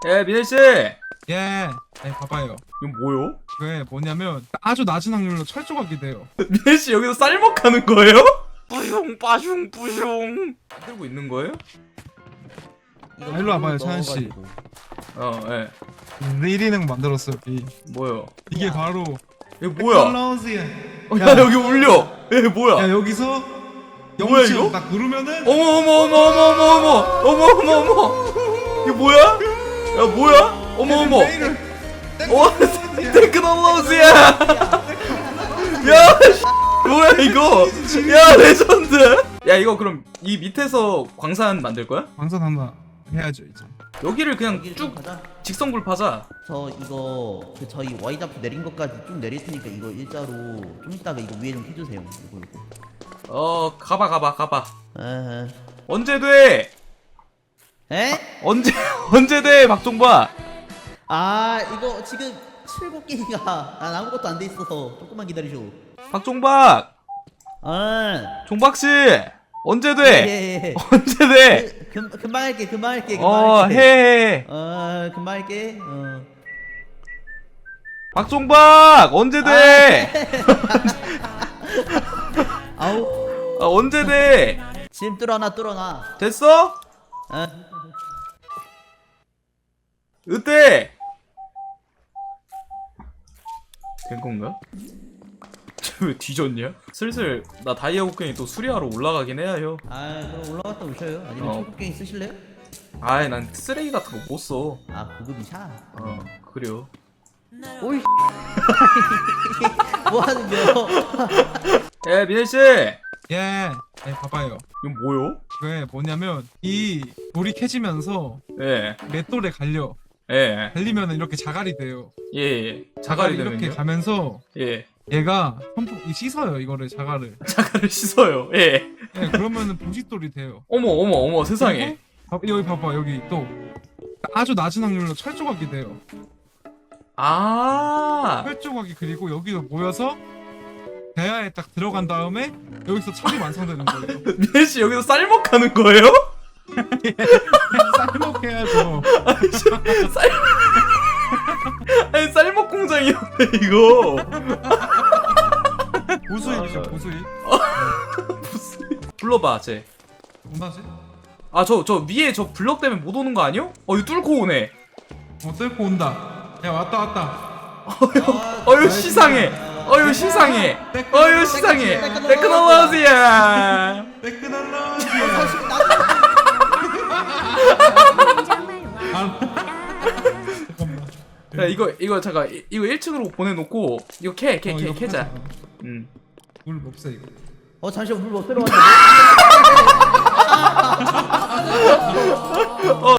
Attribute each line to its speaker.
Speaker 1: 예, 민혜씨!
Speaker 2: 예, 봐봐요.
Speaker 1: 이건 뭐요?
Speaker 2: 그게 뭐냐면 아주 낮은 확률로 철조각이 돼요.
Speaker 1: 민혜씨 여기서 쌀먹하는 거예요?
Speaker 3: 뿌숑 빠숑 뿌숑.
Speaker 1: 들고 있는 거예요?
Speaker 2: 일로 와봐요, 차현씨.
Speaker 1: 예.
Speaker 2: 내일이능 만들었어요, 여기.
Speaker 1: 뭐요?
Speaker 2: 이게 바로
Speaker 1: 이거 뭐야?
Speaker 2: 텔라우스야.
Speaker 1: 야, 여기 울려! 예, 뭐야?
Speaker 2: 야, 여기서
Speaker 1: 뭐야, 이거?
Speaker 2: 0.5 딱 누르면은
Speaker 1: 어머! 이거 뭐야? 야, 뭐야? 어머! 테크놀로지야! 야, 뭐야 이거? 야, 레전드! 야, 이거 그럼 이 밑에서 광산 만들 거야?
Speaker 2: 광선 하나 해야죠, 이제.
Speaker 1: 여기를 그냥
Speaker 4: 여기를
Speaker 1: 쭉
Speaker 4: 좀 가자.
Speaker 1: 직선굴 파자.
Speaker 4: 저 이거 저희 Y 잡프 내린 것까지 쭉 내릴 테니까 이거 일자로 좀 이따가 이거 위에 좀 해주세요. 이거.
Speaker 1: 가봐.
Speaker 4: 에헤.
Speaker 1: 언제 돼?
Speaker 4: 에?
Speaker 1: 언제 돼, 박종박?
Speaker 4: 아 이거 지금 7곡기가 난 아무것도 안 돼 있어서 조금만 기다리쇼.
Speaker 1: 박종박!
Speaker 4: 아.
Speaker 1: 종박씨! 언제 돼?
Speaker 4: 예.
Speaker 1: 언제 돼?
Speaker 4: 금방 할게.
Speaker 1: 해.
Speaker 4: 금방 할게.
Speaker 1: 박종박! 언제 돼?
Speaker 4: 아우.
Speaker 1: 언제 돼?
Speaker 4: 지금 뚫어놔.
Speaker 1: 됐어?
Speaker 4: 아.
Speaker 1: 으때! 된 건가? 쟤 왜 뒤졌냐? 슬슬 나 다이아 곡괭이 또 수리하러 올라가긴 해야 요.
Speaker 4: 아 그럼 올라갔다 오셔요. 아니면
Speaker 1: 어.
Speaker 4: 초급갱이 쓰실래요?
Speaker 1: 아이, 난 쓰레기 같은 거 못 써.
Speaker 4: 아 고급이샤.
Speaker 1: 그래요.
Speaker 4: 오이. 뭐 하는 겨?
Speaker 1: 예, 민혜씨!
Speaker 2: 예, 봐봐요.
Speaker 1: 이건 뭐요?
Speaker 2: 그게 뭐냐면 이 돌이 캐지면서
Speaker 1: 예,
Speaker 2: 맷돌에 갈리면 이렇게 자갈이 돼요.
Speaker 1: 예. 자갈이
Speaker 2: 이렇게
Speaker 1: 되면요?
Speaker 2: 가면서
Speaker 1: 예.
Speaker 2: 얘가 씻어요, 이거를 자갈을.
Speaker 1: 자갈을 씻어요. 예.
Speaker 2: 예, 그러면은 부싯돌이 돼요.
Speaker 1: 어머, 세상에.
Speaker 2: 그리고 여기 봐봐, 여기 또 아주 낮은 확률로 철조각이 돼요.
Speaker 1: 아,
Speaker 2: 철조각이 그리고 여기서 모여서 대야에 딱 들어간 다음에 여기서 철이 완성되는 거예요.
Speaker 1: 민혜씨 여기서 쌀먹하는 거예요?
Speaker 2: 쌀먹해야죠.
Speaker 1: 아니, 쌀먹 공장이었네, 이거.
Speaker 2: 보수입이죠, 보수입.
Speaker 1: 불러봐, 쟤.
Speaker 2: 뭐나지?
Speaker 1: 아, 저 위에 저 블럭 때문에 못 오는 거 아니요? 이거 뚫고 오네.
Speaker 2: 뚫고 온다. 야, 왔다.
Speaker 1: 어휴, 시상해. 테크놀로지야. 야, 이거 잠깐, 이거 1층으로 보내놓고 이거 캐자.
Speaker 2: 물 없어 이거.
Speaker 4: 잠시만 물못 들어왔네.